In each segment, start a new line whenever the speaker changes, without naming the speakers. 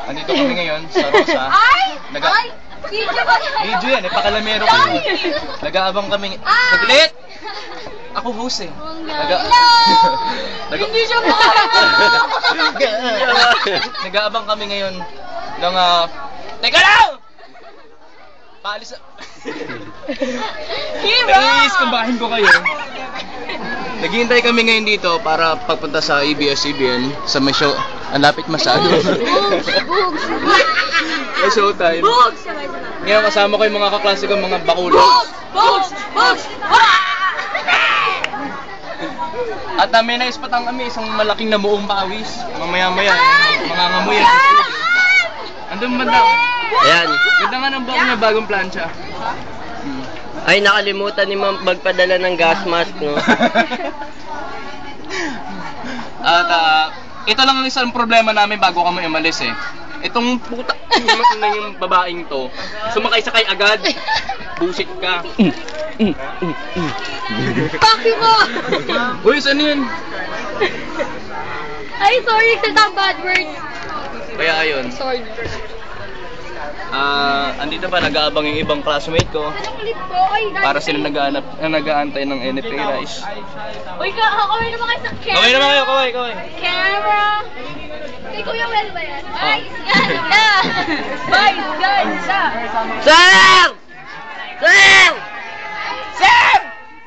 Andito kami ngayon sa Rosa. Video yan, pakalamero ko. Nag-aabang kami. Saglit! Ako host eh.
Hindi siya
Nag-aabang kami ngayon ng Teka lang! Paalis na. Iiskumbahin ko kayo. Naghihintay kami ngayon dito para pagpunta sa ABS-CBN sa may show. Ang lapit masyado. May showtime. Ngayon kasama ko yung mga kaklase ko, mga bakulo. At may naispatang kami isang malaking namuong pawis. Mamaya-maya, mga ngamuyan sa studio. Andun banda.
Ayan.
Ganda nga ng buhok niya, bagong plancha.
Ay, nakalimutan ni Ma'am magpadala ng gas mask, no?
At ito lang ang isang problema namin bago kami umalis eh. Itong puta na yung babaeng to, sumakay-sakay agad. Busit ka.
Paki mo!
Uy, saan yun?
Ay, sorry, sa bad words.
Kaya ayun.
Sorry.
Andito pa nag-aabang yung ibang classmate ko para sila nag-aantay ng NFA Rise.
Uy, kaway naman kayo sa camera.
Kaway naman kayo, kaway.
Camera. Kay Kuya Well ba yan? Vice ganda! Vice ganda!
Sir! Sir!
Sam!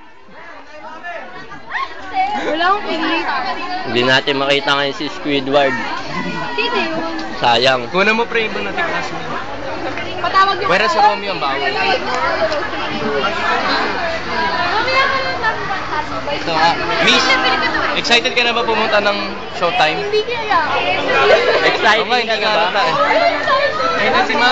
Wala akong pilit.
Hindi natin makita ngayon si Squidward.
Sino yun?
Sayang.
Kuna mo pre, ibang natin classmate.
Patawag yung...
Pwera si Romeo ang bawal.
Mamaya ka lang namin ba?
Ito Miss, excited ka na ba pumunta ng showtime?
Hindi kaya.
Excited
Oo nga, hindi
ka na
nga
ba?
halata eh. Ayun na si Ma'am.